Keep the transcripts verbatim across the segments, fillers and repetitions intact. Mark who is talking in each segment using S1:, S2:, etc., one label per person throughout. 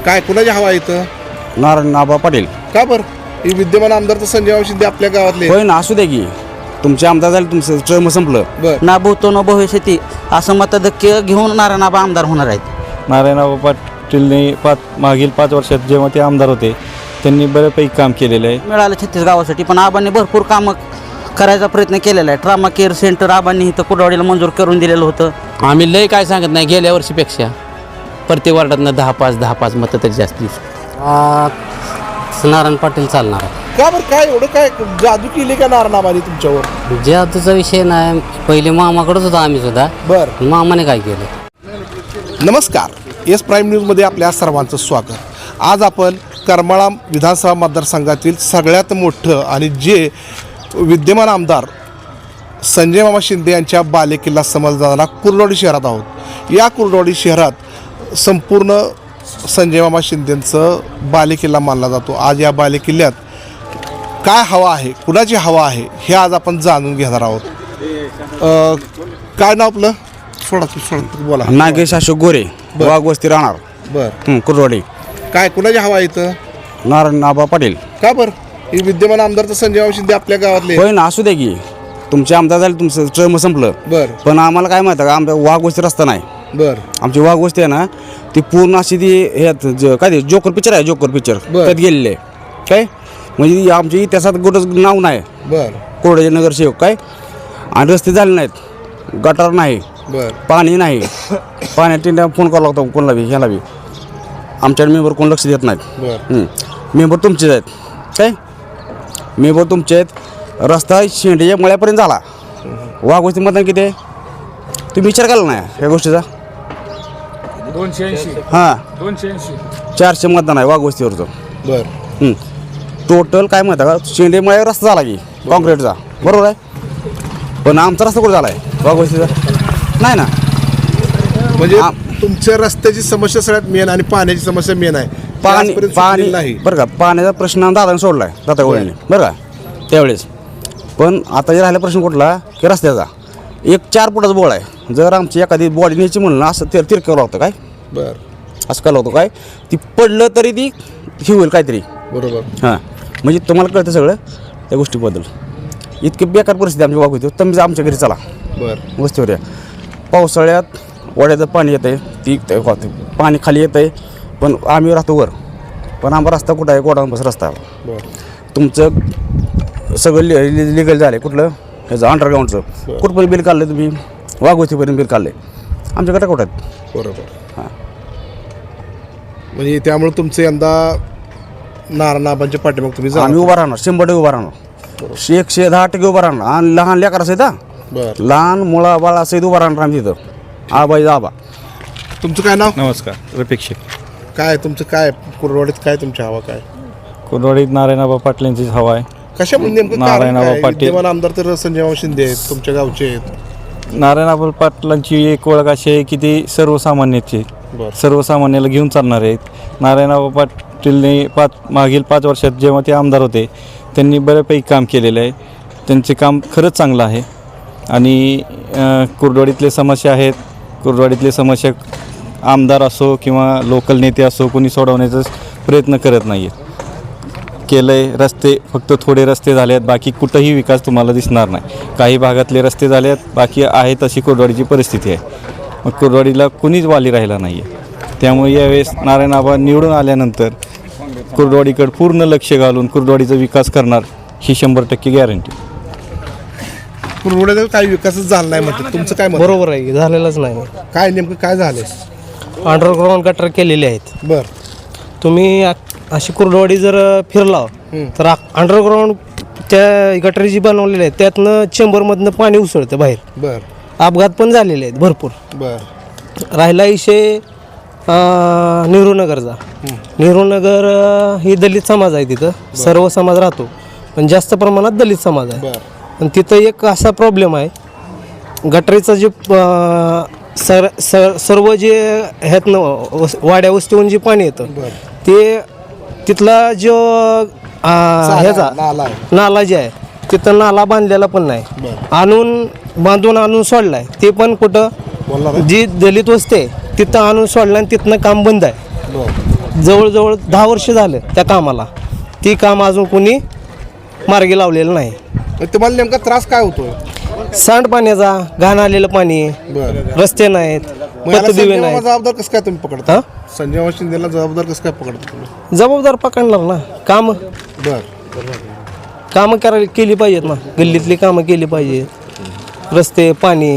S1: काय कुणाची हवा इथं?
S2: नारायण आबा पाटील.
S1: का बरं? ही विद्यमान आमदार तर संजय शिंदे आपल्या गावातले.
S2: होय ना, असू दे की तुमचे आमदार झाले, तुमचं टर्म संपलं.
S1: बरं.
S3: ना भूतो न भविष्यती असं मतधक्य घेऊन नारायण आबा आमदार होणार आहेत.
S4: नारायणराव पाटीलने पाच मागील पाच वर्षात जेव्हा ते आमदार होते त्यांनी बऱ्यापैकी काम केलेलं आहे.
S3: मिळालं छत्तीस गावासाठी, पण आबांनी भरपूर कामं करायचा प्रयत्न केलेला आहे. ट्रामा केअर सेंटर आबांनी इथं कुडवाडीला मंजूर करून दिलेलं होतं.
S5: आम्ही लय काय सांगत नाही, गेल्या वर्षीपेक्षा प्रत्येक वार्डातनं दहा पाच दहा पाच मतं तरी जास्ती नारायण पाटील चालणार आहे.
S1: का बरं? काय एवढं काय जादू केली का नारायणाबानी तुमच्यावर?
S5: जे आताचा विषय नाही, पहिले मामाकडेच होता आम्ही सुद्धा,
S1: बरं.
S5: मामाने काय केलं.
S1: नमस्कार, एस प्राईम न्यूजमध्ये आपल्या सर्वांचं स्वागत. आज आपण करमाळा विधानसभा मतदारसंघातील सगळ्यात मोठं आणि जे विद्यमान आमदार संजय मामा शिंदे यांच्या बालेकिल्ला समजला जाणारा कुर्डवाडी शहरात आहोत. या कुर्डवाडी शहरात संपूर्ण संजय मामा शिंदेंचं बालेकिल्ला मानला जातो. आज या बालेकिल्ल्यात काय हवा आहे, कुणाची हवा आहे, हे आज आपण जाणून घेणार आहोत. अ, काय नाव आपलं? सोडा तू सोडा बोला.
S2: नागेश अशोक गोरे, वाघ वस्ती राहणार.
S1: बरं.
S2: कुर्डवाडी.
S1: काय कुणाची हवा इथं?
S2: नारायण आबा पाटील.
S1: का बरं? ही विद्यमान आमदार तर संजय मामा शिंदे आपल्या गावातले.
S2: होय ना, असू दे की तुमचे आमदार झाले, तुमचं टर्म संपलं.
S1: बरं.
S2: पण आम्हाला काय माहिती का, आमच्या वाघ वस्ती रस्ता नाही.
S1: बरं.
S2: आमची वाघ वस्ती आहे ना, ती पूर्ण अशी ती ह्यात ज- काय ते जोकर पिक्चर आहे, जोकर पिक्चर
S1: बरं.
S2: त्यात गेलेले काय, म्हणजे आमच्या इतिहासात कुठं नाव नाही
S1: बरं.
S2: कोरड्याचे नगरसेवक काय. आणि रस्ते झाले नाहीत, गटार नाही,
S1: बरं.
S2: पाणी नाही. पाण्यात फोन करावा लागतो कोणाला बी, ह्याला बी. आमच्याकडे मेंबर कोण लक्ष देत नाहीत.
S1: बरं.
S2: मेंबर तुमचेच आहेत काय, मेंबर तुमचे आहेत. रस्ता शेंडीच्या मळ्यापर्यंत झाला. वाघ वस्ती मतदान किती आहे तुम्ही विचार केला नाही या गोष्टीचा?
S6: दोनशे ऐंशी
S2: हां,
S6: दोनशे ऐंशी
S2: चारशे मतदान आहे वाघ वस्तीवरचं.
S1: बरं.
S2: टोटल काय म्हणता का, शेंडे मळ्यावर रस्ता झाला की कॉन्क्रीटचा, बरोबर आहे. पण आमचा रस्ता कुठं झाला आहे वाघ वस्तीचा? नाही ना.
S1: म्हणजे
S2: आ-
S1: तुमच्या रस्त्याची समस्या सगळ्यात मेन आणि पाण्याची समस्या मेन आहे. ते
S2: पाणी
S1: आजपर्यंत
S2: पाणी
S1: सुटलेलं नाही.
S2: बरं का, पाण्याचा प्रश्न दादाने सोडला आहे, दादा गोळ्याने, बरं का त्यावेळेस. पण आता जे राहिला प्रश्न कुठला की रस्त्याचा. एक चार फुटाचा बोळ आहे, जर आमची एखादी बॉडी न्यायची म्हणलं असं ते तिरकावं लागतं काय,
S1: बरं.
S2: असं करावं होतं काय, ती पडलं तरी ती ही होईल काहीतरी.
S1: बरोबर.
S2: हां, म्हणजे तुम्हाला कळतं सगळं त्या गोष्टीबद्दल. इतकी बेकार परिस्थिती आमची वागू होती. तुम्ही आमच्या घरी चला
S1: बरं.
S2: वस्तीवर या. पावसाळ्यात वड्याचं पाणी येतं आहे, ती ते पाणी खाली येतं आहे, पण आम्ही राहतो वर. पण आमचा रस्ता कुठं आहे, गोडाऊनपासून रस्ता आहे.
S1: बरं.
S2: तुमचं सगळं लि लिगल झालं आहे. कुठलं ह्याचं अंडरग्राऊंडचं कुठपर्यंत बिल काढलं तुम्ही? वाघवस्तीपर्यंत बिल काढलं आहे. आमच्याकडे कुठं आहेत?
S1: बरोबर. हां, म्हणजे त्यामुळे तुमचं यंदा नारायणाबांच्या पाठीमाग तुम्ही जा.
S2: आम्ही उभा राहणार, शंभर टक्के उभा राहणार, एकशे दहा टक्के उभा राहणार. आणि लहान लेकर असेल हा,
S1: बरं.
S2: लहान मुळा बाळा सहित उभा राहणार आम्ही तिथं. आबाई आबा.
S1: तुमचं काय नाव?
S4: नमस्कार, रफिक शेख.
S1: काय तुमचं काय कुर्डवाडीत काय तुमची हवा काय?
S4: कुर्डवाडीत नारायणराव पाटलांची हवा आहे.
S1: कशामुळे नेमकं कारण
S4: नारायणराव
S1: काय?
S4: पाटील.
S1: विद्यमान आमदार तर संजय मामा शिंदे आहेत, तुमच्या गावचे आहेत.
S4: नारायणराव पाटलांची एक ओळख अशी आहे की ते सर्वसामान्याचे
S1: बरं.
S4: सर्वसामान्याला घेऊन चालणार आहेत. नारायणराव पाटीलने पाच मागील पाच वर्षात जेव्हा ते आमदार होते त्यांनी बऱ्यापैकी काम केलेलं आहे. त्यांचे काम खरंच चांगलं आहे. आणि अ, कुर्डवाडीतले समस्या आहेत, कुर्डवाडीतले समस्या आमदार असो किंवा लोकल नेते असो कोणी सोडवण्याचा प्रयत्न करत नाही आहेत. केलं आहे रस्ते, फक्त थोडे रस्ते झाले आहेत, बाकी कुठंही विकास तुम्हाला दिसणार नाही. काही भागातले रस्ते झाले आहेत, बाकी आहे तशी कुर्डवाडीची परिस्थिती आहे. मग कुर्डवाडीला कुणीच वाली राहिला नाही आहे. त्यामुळे यावेळेस नारायण आबा निवडून आल्यानंतर कुर्डवाडीकडे पूर्ण लक्ष घालून कुर्डवाडीचा विकास करणार ही शंभर टक्के गॅरंटी.
S1: कुर्डवाडीत काही विकासच झाला नाही म्हणतात, तुमचं काय मत?
S7: बरोबर आहे, झालेलंच नाही.
S1: काय नेमकं काय झालंय?
S7: अंडरग्राऊंड गटर केलेले आहेत.
S1: बरं.
S7: तुम्ही आ- अशी कुर्डवाडी जर फिरला तर अंडरग्राऊंड त्या गटरी जी बनवलेली आहेत त्यातनं चेंबरमधनं पाणी उसळतं बाहेर.
S1: बरं.
S7: अपघात पण झालेले आहेत भरपूर.
S1: बरं.
S7: राहिला विषय नेहरूनगरचा. नेहरूनगर अं, ही दलित समाज आहे, तिथं सर्व समाज राहतो पण जास्त प्रमाणात दलित समाज आहे.
S1: बरं.
S7: पण तिथं एक असा प्रॉब्लेम आहे, गटरीचं जे अं, सर सर सर्व जे ह्यातनं वस वाड्या वस्तीहून जे पाणी येतं ते तिथला जो अं, ह्याचा
S1: नाला आहे.
S7: नाला जे आहे तिथं नाला बांधलेला पण नाही. आणून बांधून आणून सोडलाय, ते पण कुठं
S1: बोलला काय?
S7: जी दलित वस्ती आहे तिथं आणून सोडलं आणि तिथनं काम बंद आहे.
S1: बरं.
S7: जवळजवळ दहा वर्ष झालं त्या कामाला. ती काम अजून कोणी मार्गी लावलेलं नाही.
S1: मग तुम्हाला नेमका त्रास काय होतोय?
S7: सांडपाण्याचा, घाण आलेलं पाणी,
S1: बरं
S7: रस्ते नाहीत,
S1: मग याला
S7: पतदिवे
S1: संजय मामा
S7: नाहीत.
S1: जबाबदार कसं काय तुम्ही पकडता?
S7: हा?
S1: संजय मामा शिंदेला जबाबदार कसं काय पकडता तुम्ही?
S7: जबाबदार पकडणार ना. कामं
S1: बर
S7: कामं करायला केली पाहिजेत ना. गल्लीतली कामं केली पाहिजेत. रस्ते, पाणी.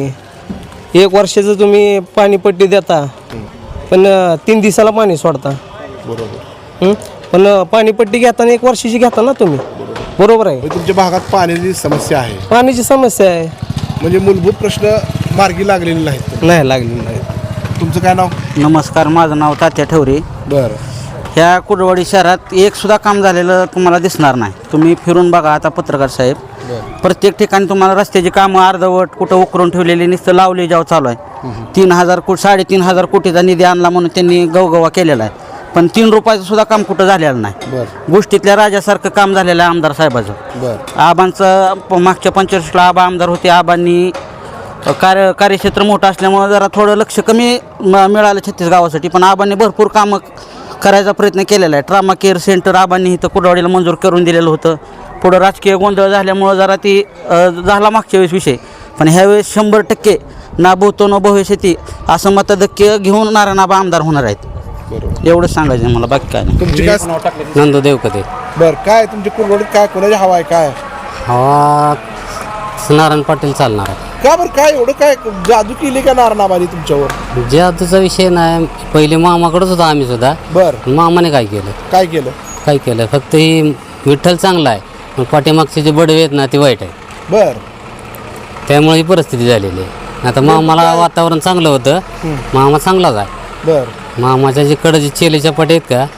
S7: एक वर्षाचं तुम्ही पाणीपट्टी देता, पण अं, तीन दिवसाला पाणी सोडता.
S1: बरोबर.
S7: हं? पण अं, पाणीपट्टी घेताना एक वर्षाची घेता ना तुम्ही. बरोबर आहे.
S1: म्हणजे तुमच्या भागात पाण्याची समस्या आहे,
S7: पाण्याची समस्या आहे.
S1: म्हणजे मूलभूत प्रश्न मार्गी लागलेले नाहीत.
S7: नाही लागली नाही.
S1: तुमचं काय नाव?
S3: नमस्कार, माझं नाव तात्या ठेवरे.
S1: बरं
S3: ह्या कुर्डवाडी शहरात एक सुद्धा काम झालेलं तुम्हाला दिसणार नाही. तुम्ही फिरून बघा आता पत्रकार साहेब, प्रत्येक ठिकाणी तुम्हाला रस्त्याची कामं अर्धवट, कुठं उकरून ठेवलेली, नुसतं लावले जाव चालू आहे. तीन हजार कोटी साडेतीन हजार कोटीचा निधी आणला म्हणून त्यांनी गवगवा केलेला आहे, पण तीन रुपयाचं सुद्धा काम कुठं झालेलं नाही.
S1: बरं
S3: गोष्टीतल्या राजासारखं काम झालेलं आहे आमदार साहेबाचं.
S1: बरं
S3: आबांचं प- मागच्या पंचवीसला आबा आमदार होते. आबांनी कार्य कार्यक्षेत्र मोठं असल्यामुळं जरा थोडं लक्ष कमी म- मिळालं छत्तीस गावासाठी, पण आबांनी भरपूर कामं करायचा प्रयत्न केलेला आहे. ट्रामा केअर सेंटर आबांनी इथं कुर्डवाडीला मंजूर करून दिलेलं होतं. पुढं राजकीय गोंधळ झाल्यामुळं जरा ती अ, झाला मागच्या वेळेस विषय, पण ह्यावेळेस शंभर टक्के ना भूतो न भविष्यती असं मतधक्य घेऊन नारायण आबा आमदार होणार आहेत.
S1: बरोबर.
S3: एवढंच सांगायचं आहे मला, बाकी काय नाही.
S1: तुमची काय?
S5: नंदू देवकते.
S1: बरं काय तुमची कुरवडीत काय कोणाची हवा आहे काय?
S5: हवा नारायण पाटील चालणार आहे.
S1: का बरं काय एवढं काय जादू केली का नारायणाबानी तुमच्यावर?
S5: जादूचा विषय नाही, पहिले मामाकडेच होता आम्ही सुद्धा.
S1: बरं
S5: मामाने काय केलं?
S1: काय केलं?
S5: काय केलं? फक्त ही विठ्ठल चांगला आहे, पण पाठीमागचे जे बडवे आहेत ना ते वाईट आहे.
S1: बरं
S5: त्यामुळे ही परिस्थिती झालेली आहे. आता मामाला वातावरण चांगलं होतं, मामा चांगलाच आहे.
S1: बरं
S5: मामाच्या जे कडे जे चेलेच्या पाठी आहेत का,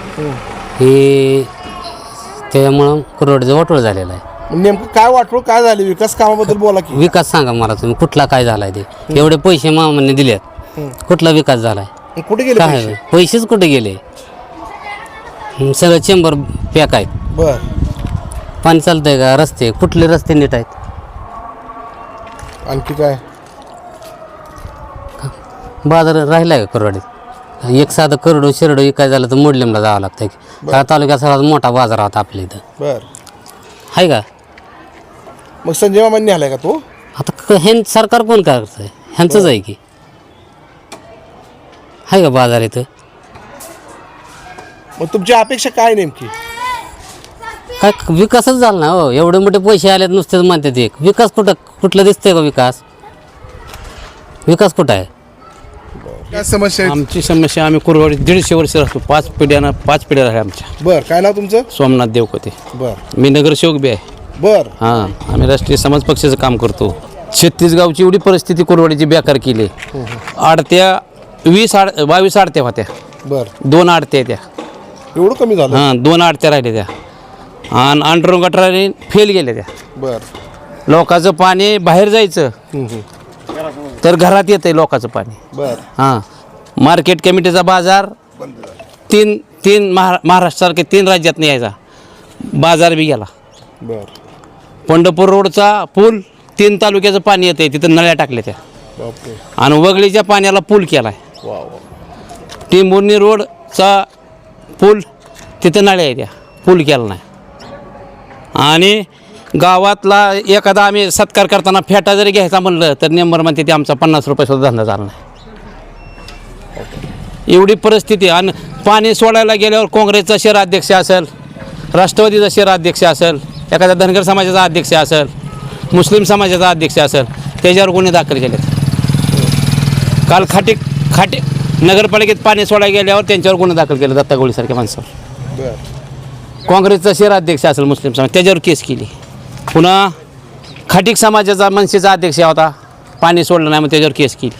S5: हे त्यामुळं कुरवडीचं वाटोळ झालेलं आहे.
S1: नेमकं काय वाटलं, काय झालं विकास कामाबद्दल बोला की.
S5: विकास सांगा मला तुम्ही, कुठला काय झालाय ते? एवढे पैसे मामाने दिलेत, कुठला विकास झालाय?
S1: कुठे गेले
S5: काय
S1: पैसे?
S5: पैसेच कुठे गेले? हं, सगळं चेंबर पॅक आहेत.
S1: बरं
S5: पाणी चालतंय का? रस्ते कुठले रस्ते नीट आहेत?
S1: आणखी काय?
S5: बाजार राहिलाय का कुरवाडीत? एक साधं करडो शिरडो काय झालं तर मोडलेमला जावं लागतं. हा तालुक्यात सगळ्यात मोठा बाजार होता आपल्या इथं,
S1: बरं
S5: आहे का?
S1: मग संजय मामांनी आलाय का तो?
S5: आता क- हे सरकार कोण काय करतंय? ह्यांचंच आहे की, आहे का बाजार इथं?
S1: मग तुमची अपेक्षा काय नेमकी?
S5: काय विकासच झाला ना हो. एवढे मोठे पैसे आलेत नुसतेच म्हणतात. एक विकास कुठं कुठलं दिसतंय का? विकास विकास कुठं आहे?
S1: काय समस्या आहे?
S8: आमची समस्या, आम्ही कुरवाडीत दीडशे वर्ष राहतो. पाच पिढ्यानं पाच पिढ्या राहिल्या आमच्या.
S1: बरं काय नाव तुमचं?
S8: सोमनाथ देवकते.
S1: बरं
S8: मी नगरसेवक बी आहे.
S1: बरं
S8: हां, आम्ही राष्ट्रीय समाज पक्षाचं काम करतो. छत्तीस गावची एवढी परिस्थिती कुरवाडीची बेकार केली. आडत्या वीस आड बावीस आडत्या होत्या,
S1: बरं
S8: दोन आडत्या त्या.
S1: एवढं कमी झालं?
S8: हां, दोन आडत्या राहिल्या त्या, आणि अंडरून गटाराने फेल गेल्या त्या.
S1: बरं
S8: लोकांचं पाणी बाहेर जायचं तर घरात येतंय लोकांचं पाणी.
S1: बरं
S8: हां, मार्केट कमिटीचा बाजार तीन तीन महा महाराष्ट्रासारखे तीन राज्यात नाही यायचा, बाजार बी गेला.
S1: बरं
S8: पंढरपूर रोडचा पूल तीन तालुक्याचं पाणी येतं आहे, तिथं नळ्या टाकल्या त्या.
S1: बापरे.
S8: आणि वगळीच्या पाण्याला पूल केला आहे.
S1: वा वा.
S8: टिंबुर्णी रोडचा पूल तिथं नळ्या आहे, त्या पूल केला नाही. आणि गावातला एखादा आम्ही सत्कार करताना फेटा जरी घ्यायचा म्हणलं तर नेंबर म्हणते ते आमचा पन्नास रुपये सुद्धा धंदा झाला नाही. एवढी परिस्थिती. आणि पाणी सोडायला गेल्यावर काँग्रेसचा शहराध्यक्ष असेल, राष्ट्रवादीचा शहराध्यक्ष असेल, एखाद्या धनगर समाजाचा अध्यक्ष असेल, मुस्लिम समाजाचा अध्यक्ष असेल, त्याच्यावर गुन्हे दाखल केले. काल खाटे खाटे नगरपालिकेत पाणी सोडायला गेल्यावर त्यांच्यावर गुन्हे दाखल केले, दत्ता गोळीसारख्या माणसावर.
S1: बरं
S8: काँग्रेसचा शहराध्यक्ष असेल मुस्लिम समाज, त्याच्यावर केस केली. पुन्हा खाटीक समाजाचा मनसेचा अध्यक्ष होता, पाणी सोडलं नाही मग त्याच्यावर केस केली.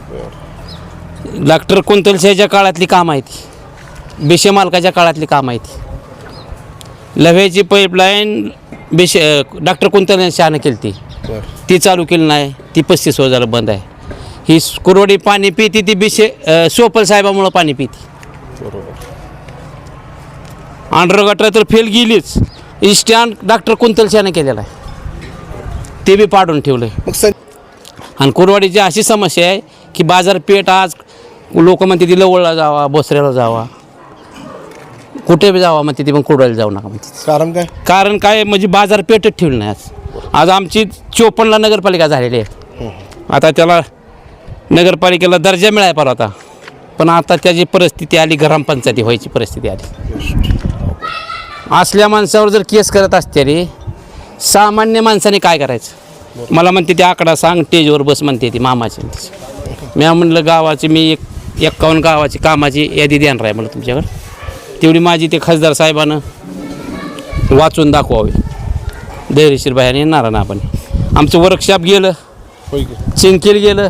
S8: डॉक्टर कुंतलशाहीच्या काळातली कामं आहेत ती, बेशे मालकाच्या काळातली कामं आहेत ती. लव्ह्याची पाईपलाईन बेशे डॉक्टर कुंतल शहानं केली ती,
S1: बरं
S8: ती चालू केली नाही, ती पस्तीस वर्षाला बंद आहे. ही कुरवडी पाणी पिती ती बेशे सोपल साहेबामुळं पाणी पिती.
S1: बरोबर.
S8: अंडर गटर तर फेल गेलीच, स्टँड डॉक्टर कुंतलशानं केलेला आहे, ते बी पाडून ठेवलं आहे.
S1: मग सं
S8: आणि कुरवाडीची अशी समस्या आहे की बाजारपेठ आज लोक म्हणते ती लवळला जावा, बोसऱ्याला जावा. कुठे बी जावा म्हणते ती पण कुरडवाडीला जाऊ नका म्हणते
S1: कारण काय?
S8: कारण काय म्हणजे बाजारपेठच ठेवली नाही आज आज आमची चोपन्नला नगरपालिका झालेली आहे आता त्याला नगरपालिकेला दर्जा मिळाला पाहिजे होता पण आता त्याची परिस्थिती आली ग्रामपंचायती व्हायची परिस्थिती आली असल्या माणसावर जर केस करत असते रे सामान्य माणसाने काय करायचं मला म्हणते ते आकडा सांग स्टेजवर बस म्हणते ती मामाची मी म्हणलं गावाची मी एक एक्कावन्न गावाची कामाची यादी देणार आहे मला तुमच्याकडे तेवढी माझी ते खासदार साहेबानं वाचून दाखवावे धैर्यशीर बाहेर येणार ना आपण आमचं वर्कशॉप गेलं चिंकेल गेलं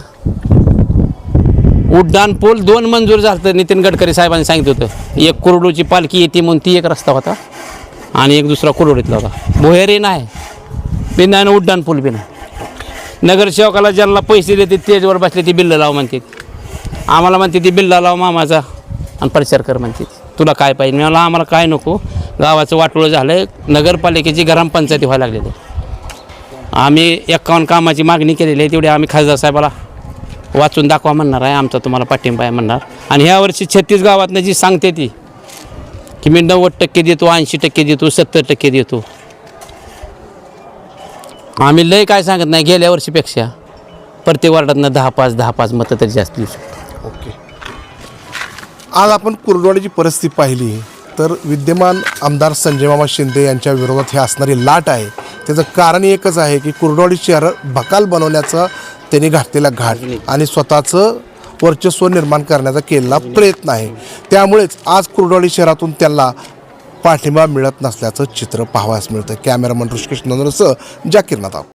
S8: उड्डाण पूल दोन मंजूर झालं तर नितीन गडकरी साहेबांनी सांगितलं होतं एक कुरडूची पालखी येते म्हणून ती एक रस्ता होता आणि एक दुसरा कुरडीतला होता भोहेरी नाही बी नाही उड्डाण पूल बी नाही नगरसेवकाला ज्यांना पैसे देते तेजवर बसले ती बिल्ल लाव म्हणते आम्हाला म्हणते ती बिल्ला लाव मामाचा आणि प्रचार कर म्हणते तुला काय पाहिजे मला आम्हाला काय नको गावाचं वाटोळं झालं आहे नगरपालिकेची ग्रामपंचायती व्हायला लागलेली आम्ही एक्कावन्न कामाची मागणी केलेली आहे तेवढी आम्ही खासदार साहेबाला वाचून दाखवा म्हणणार आहे आमचा तुम्हाला पाठिंबा आहे म्हणणार आणि ह्या वर्षी छत्तीस गावातनं जी सांगते ती की मी नव्वद टक्के देतो ऐंशी टक्के देतो सत्तर टक्के देतो आम्ही लय काय सांगत नाही गेल्या वर्षीपेक्षा प्रत्येक वार्डातनं दहा पाच दहा पाच मतं तरी जास्त देऊ शकतो
S1: ओके. आज आपण कुर्डवाडीची परिस्थिती पाहिली तर विद्यमान आमदार संजय मामा शिंदे यांच्या विरोधात हे असणारी लाट आहे त्याचं कारण एकच आहे की कुर्डवाडी शहर बकाल बनवण्याचा त्यांनी घातलेला घाट आणि स्वतःचं वर्चस्व निर्माण करण्याचा केलेला प्रयत्न आहे त्यामुळेच आज कुर्डवाडी शहरातून त्यांना पाठिंबा मिळत नसल्याचं चित्र पाहावयास मिळतं. कॅमेरामन ऋषिकेश नंदनसह जाकीर नादाब.